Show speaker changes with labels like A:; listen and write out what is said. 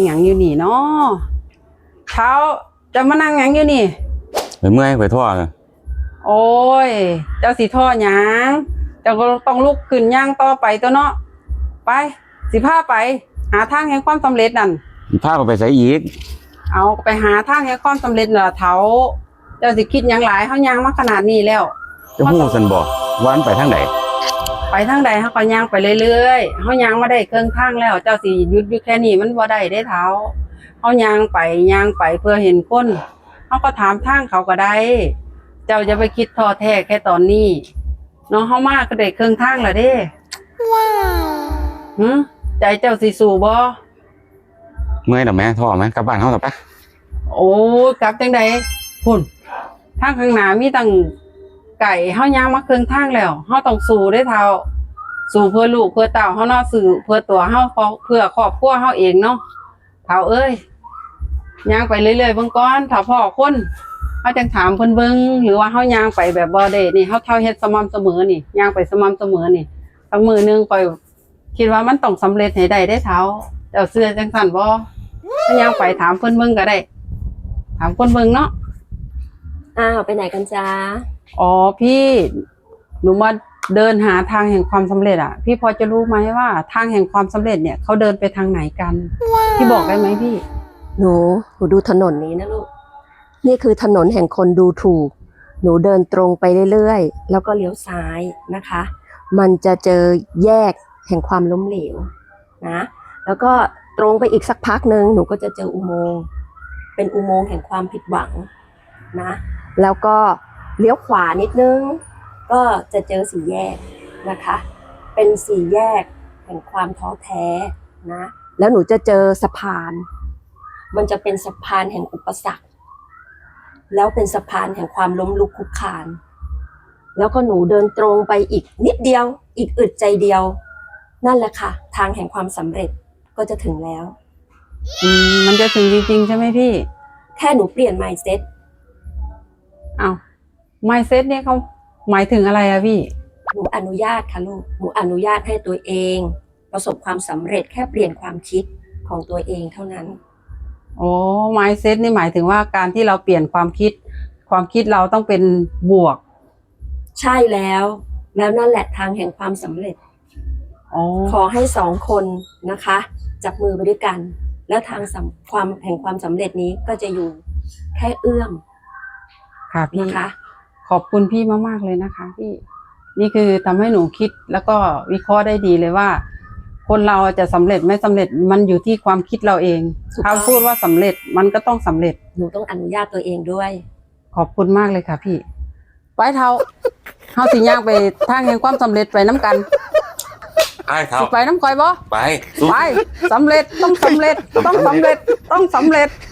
A: หยังอยู่นี่เนาะเช้าจะมานั่งหยังอยู่นี่
B: ไปเมื่อยไปท่อเลย
A: โอ้ยเจ้าสิท่อหยังเจ้าก็ต้องลุกขึ้นย่างต่อไปตัวเนาะไปสิพาไปหาทางแห่งความสำเร็จนั่น
B: พาไปใส่อีก
A: เอาไปหาทางแห่งความสำเร็จน่ะเฒ่าเจ้าสิคิดหยังหลายเฮาย่างมาขนาดนี้แล้ว
B: จะฮู้ซั่นบ่ว่ามันไปทางใด
A: ไปทางใดเฮาก็ย่างไปเรื่อยๆเฮาย่างมาได้ครึ่งทางแล้วเจ้าสิหยุดอยู่แค่นี้มันบ่ได้เด้เฒ่าเฮาย่างไปเพื่อเห็นคนเฮาก็ถามทางเขาก็ได้เจ้าจะไปคิดท้อแท้แค่ตอนนี้น้องเฮามาก็ได้ครึ่งทางแล้วเด้ว้าวใจเจ้าสิสู้บ่
B: เมื่อยดอกแม่ท่อแม่กลับบ้านเฮาต่อปะ
A: โอ้กลับจังได๋พุ่นทางข้างหน้ามีตั้งไก่เฮาย่างมาครึ่งทางแล้วเฮาต้องสู้เด้เฒ่าสู้เพื่อลูกเพื่อเต้าเฮาเนาะสู้เพื่อตัวเฮาเพื่อครอบครัวเฮาเองเนาะเฒ่าเอ้ยย่างไปเรื่อยๆเบิ่งก่อนถ้าพ่อคนเฮาจังถามเพิ่นเบิ่งหรือว่าเฮาย่างไปแบบบ่ได้นี่เฮาเฮ็ดสม่ำเสมอนี่ย่างไปสม่ำเสมอนี่สักมื้อนึงค่อยคิดว่ามันต้องสำเร็จให้ได้เด้เฒ่าเจ้าเชื่อจังซั่นบ่ถ้าย่างไปถามเพิ่นเบิ่งก็ได้ถามคนเบิ่งเนาะ
C: ไปไหนกันจ๊ะ
A: อ๋อพี่หนูมาเดินหาทางแห่งความสำเร็จอ่ะพี่พอจะรู้ไหมว่าทางแห่งความสำเร็จเนี่ยเขาเดินไปทางไหนกันพี่บอกได้ไหมพี่
C: หนูดูถนนนี้นะลูกนี่คือถนนแห่งคนดูถูกหนูเดินตรงไปเรื่อยๆแล้วก็เลี้ยวซ้ายนะคะมันจะเจอแยกแห่งความล้มเหลวนะแล้วก็ตรงไปอีกสักพักนึงหนูก็จะเจออุโมงค์เป็นอุโมงค์แห่งความผิดหวังนะแล้วก็เลี้ยวขวานิดนึงก็จะเจอสี่แยกนะคะเป็นสี่แยกแห่งความท้อแท้นะแล้วหนูจะเจอสะพานมันจะเป็นสะพานแห่งอุปสรรคแล้วเป็นสะพานแห่งความล้มลุกคลุกคลานแล้วก็หนูเดินตรงไปอีกนิดเดียวอีกอึดใจเดียวนั่นแหละค่ะทางแห่งความสำเร็จก็จะถึงแล้ว
A: มันจะถึงจริงๆใช่ไหมพี่
C: แค่หนูเปลี่ยน mindset
A: mindset เนี่ยเขาหมายถึงอะไรอะพี่
C: หนูอนุญาตค่ะลูกหนูอนุญาตให้ตัวเองประสบความสำเร็จแค่เปลี่ยนความคิดของตัวเองเท่านั้น
A: mindset นี่หมายถึงว่าการที่เราเปลี่ยนความคิดเราต้องเป็นบวก
C: ใช่แล้วนั่นแหละทางแห่งความสำเร็จขอให้2 คนนะคะจับมือไปด้วยกันแล้วทางความแห่งความสำเร็จนี้ก็จะอยู่แค่เอื้อม
A: ค่ะพี่นะคะขอบคุณพี่มากๆเลยนะคะพี่นี่คือทำให้หนูคิดแล้วก็วิเคราะห์ได้ดีเลยว่าคนเราจะสำเร็จไม่สำเร็จมันอยู่ที่ความคิดเราเองถ้าพูดว่าสำเร็จมันก็ต้องสำเร็จ
C: หนูต้องอนุญาตตัวเองด้วย
A: ขอบคุณมากเลยค่ะพี่ไปเท้าสิย่างไปทางแห่งความสำเร็จไปน้ำกันไปน้ำคอยบ่ไปสำเร็จต้องสำเร็จต้องสำเร็จต้องสำเร็จ